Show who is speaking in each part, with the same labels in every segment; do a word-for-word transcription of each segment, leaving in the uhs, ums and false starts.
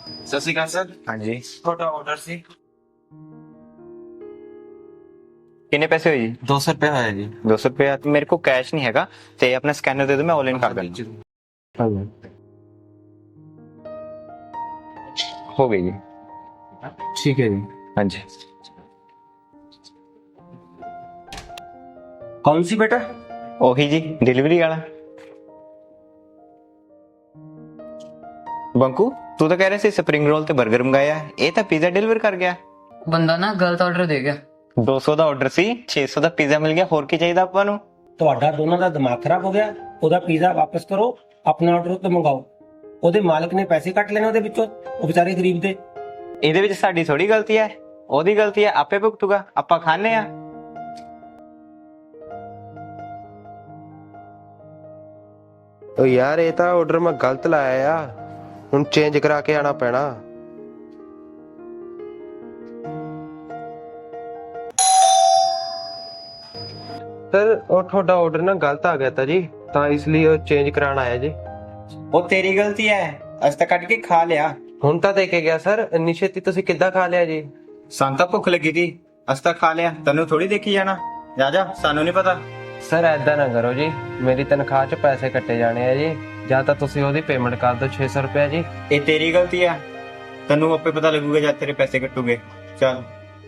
Speaker 1: ਸਤਿ ਸ਼੍ਰੀ ਅਕਾਲ ਸਰ।
Speaker 2: ਹਾਂਜੀ,
Speaker 1: ਤੁਹਾਡਾ ਆਰਡਰ ਸੀ।
Speaker 2: ਕਿੰਨੇ ਪੈਸੇ ਹੋਏ ਜੀ?
Speaker 1: ਦੋ ਸੌ ਰੁਪਏ ਹੋਇਆ ਜੀ।
Speaker 2: ਦੋ ਸੌ ਰੁਪਏ। ਮੇਰੇ ਕੋਲ ਕੈਸ਼ ਨਹੀਂ ਹੈਗਾ ਤੇ ਆਪਣਾ ਸਕੈਨਰ ਦੇ ਦਿਓ, ਮੈਂ ਆਨਲਾਈਨ ਕਰ ਦਿੰਦਾ। ਹੋ ਗਈ ਜੀ।
Speaker 1: ਠੀਕ ਹੈ ਜੀ।
Speaker 2: ਹਾਂਜੀ।
Speaker 1: ਕੌਣ ਸੀ ਬੇਟਾ?
Speaker 2: ਉਹੀ ਜੀ, ਡਿਲੀਵਰੀ ਵਾਲਾ। ਬੰਕੂ, ਤੂੰ ਤਾਂ ਕਹਿ ਰਿਹਾ ਸੀ ਸਪਰਿੰਗ ਰੋਲ ਤੇ 버ਗਰ ਮੰਗਾਇਆ, ਇਹ ਤਾਂ ਪੀਜ਼ਾ ਡਿਲੀਵਰ ਕਰ ਗਿਆ।
Speaker 3: ਬੰਦਾ ਨਾ ਗਲਤ ਆਰਡਰ ਦੇ ਗਿਆ।
Speaker 2: ਦੋ ਸੌ ਦਾ ਆਰਡਰ ਸੀ, ਛੇ ਸੌ ਦਾ ਪੀਜ਼ਾ ਮਿਲ ਗਿਆ। ਹੋਰ ਕੀ ਚਾਹੀਦਾ ਆਪਾਂ ਨੂੰ?
Speaker 4: ਤੁਹਾਡਾ ਦੋਨਾਂ ਦਾ ਦਿਮਾਗ ਖਰਾਬ ਹੋ ਗਿਆ। ਉਹਦਾ ਪੀਜ਼ਾ ਵਾਪਸ ਕਰੋ, ਆਪਣਾ ਆਰਡਰ ਉੱਤੇ ਮੰਗਾਓ। ਉਹਦੇ ਮਾਲਕ ਨੇ ਪੈਸੇ ਕੱਟ ਲੈਣੇ ਉਹਦੇ ਵਿੱਚੋਂ, ਉਹ ਵਿਚਾਰੇ ਗਰੀਬ ਦੇ।
Speaker 2: ਇਹਦੇ ਵਿੱਚ ਸਾਡੀ ਥੋੜੀ ਗਲਤੀ ਹੈ, ਉਹਦੀ ਗਲਤੀ ਹੈ, ਆਪੇ ਭੁਗਤੂਗਾ। ਆਪਾਂ ਖਾਣੇ ਆ।
Speaker 5: ਓ ਯਾਰ, ਇਹ ਤਾਂ ਆਰਡਰ ਮੈਂ ਗਲਤ ਲਾਇਆ ਆ, ਹੁਣ ਚੇਂਜ ਕਰਾ ਕੇ ਆਣਾ ਪੈਣਾ। ਸਰ, ਉਹ ਤੁਹਾਡਾ ਆਰਡਰ ਨਾ ਗਲਤ ਆ ਗਿਆ ਤਾ ਜੀ, ਤਾਂ ਇਸ ਲਈ ਉਹ ਚੇਂਜ ਕਰਾਉਣ ਆਇਆ ਜੀ।
Speaker 2: ਉਹ ਤੇਰੀ ਗਲਤੀ ਹੈ, ਅਸੀਂ ਤਾਂ ਕੱਢ ਕੇ ਖਾ ਲਿਆ।
Speaker 5: ਹੁਣ ਤਾਂ ਦੇ ਕੇ ਗਿਆ ਸਰ, ਇੰਨੀ ਛੇਤੀ ਤੁਸੀਂ ਕਿੱਦਾਂ ਖਾ ਲਿਆ ਜੀ?
Speaker 2: ਸਾਨੂੰ ਤਾਂ ਭੁੱਖ ਲੱਗੀ ਸੀ, ਅਸੀਂ ਤਾਂ ਖਾ ਲਿਆ। ਤੈਨੂੰ ਥੋੜੀ ਦੇਖੀ ਜਾਣਾ। ਜਾ ਜਾ, ਸਾਨੂੰ ਨਹੀਂ ਪਤਾ।
Speaker 5: ਸਰ ਐਦਾਂ ਨਾ ਕਰੋ ਜੀ, ਮੇਰੀ ਤਨਖਾਹ 'ਚ ਪੈਸੇ ਕੱਟੇ ਜਾਣੇ ਆ ਜੀ। ਜਾਂ ਤਾਂ ਤੁਸੀਂ ਉਹਦੀ ਪੇਮੈਂਟ ਕਰ ਦਿਓ ਛੇ ਸੌ ਰੁਪਏ ਜੀ।
Speaker 2: ਇਹ ਤੇਰੀ ਗਲਤੀ ਹੈ, ਤੈਨੂੰ ਆਪੇ ਪਤਾ ਲੱਗੂਗਾ ਜਦ ਤੇਰੇ ਪੈਸੇ ਕੱਟੂਗੇ। ਚੱਲ।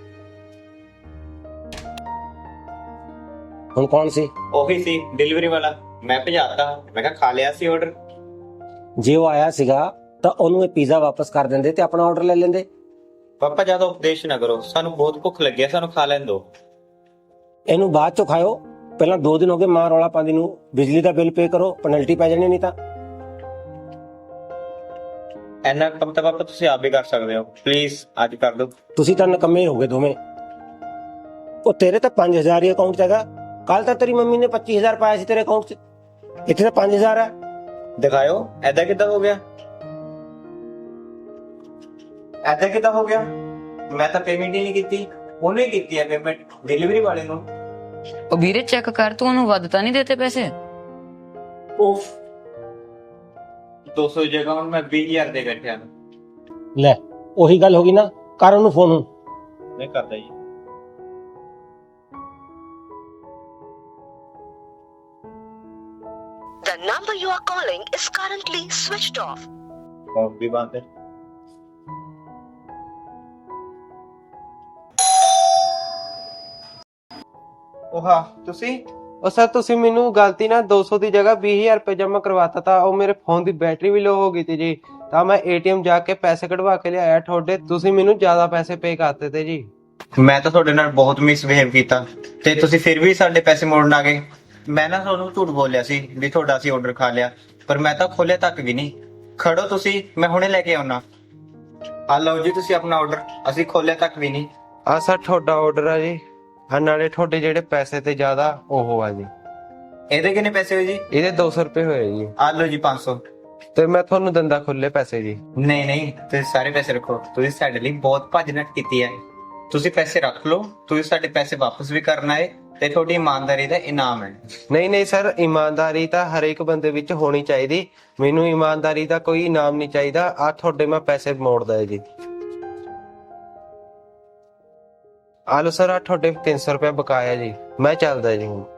Speaker 4: ਹੁਣ ਕੌਣ ਸੀ?
Speaker 2: ਉਹੀ ਸੀ, ਡਿਲੀਵਰੀ ਵਾਲਾ। ਮੈਂ ਭਜਾਤਾ, ਮੈਂ ਕਿਹਾ ਖਾ ਲਿਆ ਸੀ ਆਰਡਰ।
Speaker 4: ਜੇ ਉਹ ਆਇਆ ਸੀਗਾ ਤਾਂ ਉਹਨੂੰ ਇਹ ਪੀਜ਼ਾ ਵਾਪਸ ਕਰ ਦਿੰਦੇ ਤੇ ਆਪਣਾ ਆਰਡਰ ਲੈ ਲੈਂਦੇ।
Speaker 2: ਪਾਪਾ ਜਿਆਦਾ ਉਪਦੇਸ਼ ਨਾ ਕਰੋ, ਸਾਨੂੰ ਬਹੁਤ ਭੁੱਖ ਲੱਗੀ ਹੈ, ਸਾਨੂੰ ਖਾ ਲੈਣ ਦਿਓ।
Speaker 4: ਇਹਨੂੰ ਬਾਅਦ ਚੋਂ ਖਾਓ, ਪਹਿਲਾਂ ਦੋ ਦਿਨ ਹੋ ਗਏ ਮਾਂ ਰੌਲਾ ਪਾਉਂਦੀ ਨੂੰ। ਬਿਜਲੀ ਦਾ ਬਿੱਲ ਪੇ ਕਰੋ, ਪੈਨਲਟੀ ਪੈ ਜਾਣੀ ਨਹੀਂ ਤਾਂ।
Speaker 2: ਐਨਾ ਕੰਮ ਤਾਂ ਪਾਪਾ ਤੁਸੀਂ ਆਪ ਵੀ ਕਰ ਸਕਦੇ ਹੋ, ਪਲੀਜ਼ ਅੱਜ ਕਰ ਦਿਓ।
Speaker 4: ਤੁਸੀਂ ਤਾਂ ਨਕੰਮੇ ਹੋ ਗਏ ਦੋਵੇਂ। ਉਹ ਤੇਰੇ ਤਾਂ ਪੰਜ ਹਜ਼ਾਰ ਹੀ ਅਕਾਊਂਟ 'ਚ ਹੈਗਾ। ਕੱਲ ਤਾਂ ਤੇਰੀ ਮੰਮੀ ਨੇ ਪੱਚੀ ਹਜ਼ਾਰ ਪਾਇਆ ਸੀ ਤੇਰੇ ਅਕਾਊਂਟ 'ਚ, ਇੱਥੇ ਤਾਂ ਪੰਜ ਹਜ਼ਾਰ ਹੈ।
Speaker 2: ਦਿਖਾਇਓ, ਐਦਾਂ ਕਿੱਦਾਂ ਹੋ ਗਿਆ? ਐਦਾਂ ਕਿੱਦਾਂ ਹੋ ਗਿਆ? ਮੈਂ ਤਾਂ ਪੇਮੈਂਟ ਹੀ ਨਹੀਂ ਕੀਤੀ, ਉਹਨੇ ਕੀਤੀ ਹੈ ਪੇਮੈਂਟ, ਡਿਲੀਵਰੀ ਵਾਲੇ ਨੂੰ।
Speaker 3: ਉਹ ਵੀਰੇ ਚੈੱਕ ਕਰ, ਤੂੰ ਉਹਨੂੰ ਵੱਧ ਤਾਂ ਨਹੀਂ ਦਿੱਤੇ ਪੈਸੇ?
Speaker 2: ਉਫ, ਦੋ ਸੌ ਦੀ ਜਗ੍ਹਾ ਹੁਣ ਮੈਂ ਵੀਹ ਹਜ਼ਾਰ ਦੇ ਬੈਠਿਆ।
Speaker 4: ਲੈ, ਉਹੀ ਗੱਲ ਹੋ ਗਈ ਨਾ, ਕਰ ਉਹਨੂੰ ਫੋਨ। ਹੁਣ
Speaker 2: ਨਹੀਂ ਕਰਦਾ ਜੀ।
Speaker 6: The number you are calling is currently switched off.
Speaker 2: Phone ਵੀ ਬੰਦ ਹੈ। ਉਹ ਹਾਂ ਤੁਸੀਂ?
Speaker 5: ਉਹ ਸਰ, ਤੁਸੀਂ ਮੈਨੂੰ ਗਲਤੀ ਨਾਲ ਦੋ ਸੌ ਦੀ ਜਗ੍ਹਾ ਵੀਹ ਹਜ਼ਾਰ ਰੁਪਏ ਜਮ੍ਹਾਂ ਕਰਵਾਤਾ ਤਾ। ਉਹ ਮੇਰੇ ਫੋਨ ਦੀ ਬੈਟਰੀ ਵੀ ਲੋ ਹੋ ਗਈ ਤੀ ਜੀ, ਤਾਂ ਮੈਂ ਏਟੀਐਮ ਜਾ ਕੇ ਪੈਸੇ ਕਢਵਾ ਕੇ ਲਿਆਇਆ ਤੁਹਾਡੇ। ਤੁਸੀਂ ਮੈਨੂੰ ਜ਼ਿਆਦਾ ਪੈਸੇ ਪੇ ਕਰਤੇ ਤੇ ਜੀ।
Speaker 2: ਮੈਂ ਤਾਂ ਤੁਹਾਡੇ ਨਾਲ ਬਹੁਤ ਮਿਸਬਿਹੇਵ ਕੀਤਾ ਤੇ ਤੁਸੀਂ ਫਿਰ ਵੀ ਸਾਡੇ ਪੈਸੇ ਮੋੜਨ ਆ ਗਏ। ਮੈਂ ਨਾ ਤੁਹਾਨੂੰ ਝੂਠ ਬੋਲਿਆ ਸੀ ਵੀ ਤੁਹਾਡਾ ਅਸੀਂ ਆਰਡਰ ਖਾ ਲਿਆ, ਪਰ ਮੈਂ ਤਾਂ ਖੋਲਿਆ ਤੱਕ ਵੀ ਨਹੀਂ। ਖੜੋ ਤੁਸੀਂ, ਮੈਂ ਹੁਣੇ ਲੈ ਕੇ ਆਉਣਾ। ਆ ਲਓ ਜੀ ਤੁਸੀਂ ਆਪਣਾ ਆਰਡਰ, ਅਸੀਂ ਖੋਲਿਆ ਤੱਕ ਵੀ ਨਹੀਂ।
Speaker 5: ਆ ਸਰ, ਤੁਹਾਡਾ ਆਰਡਰ ਆ ਜੀ। ਆ ਨਾਲੇ ਤੁਹਾਡੇ ਜਿਹੜੇ ਪੈਸੇ ਤੇ ਜ਼ਿਆਦਾ ਉਹ ਆ ਜੀ।
Speaker 2: ਇਹਦੇ ਕਿੰਨੇ ਪੈਸੇ ਹੋਏ ਜੀ?
Speaker 5: ਇਹਦੇ ਦੋ ਸੌ ਰੁਪਏ ਹੋਏ ਜੀ।
Speaker 2: ਆ ਲਓ ਜੀ ਪੰਜ ਸੌ।
Speaker 5: ਤੇ ਮੈਂ ਤੁਹਾਨੂੰ ਦੰਦਾ ਖੁੱਲੇ ਪੈਸੇ ਜੀ।
Speaker 2: ਨਹੀਂ ਨਹੀਂ, ਤੁਸੀਂ ਸਾਰੇ ਪੈਸੇ ਰੱਖੋ। ਤੁਸੀਂ ਸਾਡੇ ਲਈ ਬਹੁਤ ਭੱਜ ਨੱਠ ਕੀਤੀ ਹੈ। ਤੁਸੀਂ ਪੈਸੇ ਰੱਖ ਲਓ, ਤੁਸੀਂ ਸਾਡੇ ਪੈਸੇ ਵਾਪਸ ਵੀ ਕਰਨਾ ਹੈ ਤੇ ਤੁਹਾਡੀ ਇਮਾਨਦਾਰੀ ਦਾ ਇਨਾਮ ਹੈ।
Speaker 5: ਨਹੀਂ ਨਹੀਂ ਸਰ, ਇਮਾਨਦਾਰੀ ਤਾਂ ਹਰੇਕ ਬੰਦੇ ਵਿੱਚ ਹੋਣੀ ਚਾਹੀਦੀ। ਮੈਨੂੰ ਇਮਾਨਦਾਰੀ ਦਾ ਕੋਈ ਇਨਾਮ ਨਹੀਂ ਚਾਹੀਦਾ। ਆ ਤੁਹਾਡੇ ਮੈਂ ਪੈਸੇ ਮੋੜਦਾ ਜੀ। ਆ ਲਓ ਸਰ, ਆ ਤੁਹਾਡੇ ਤਿੰਨ ਸੌ ਰੁਪਏ ਬਕਾਇਆ ਜੀ। ਮੈਂ ਚੱਲਦਾ ਜੀ ਹੁਣ।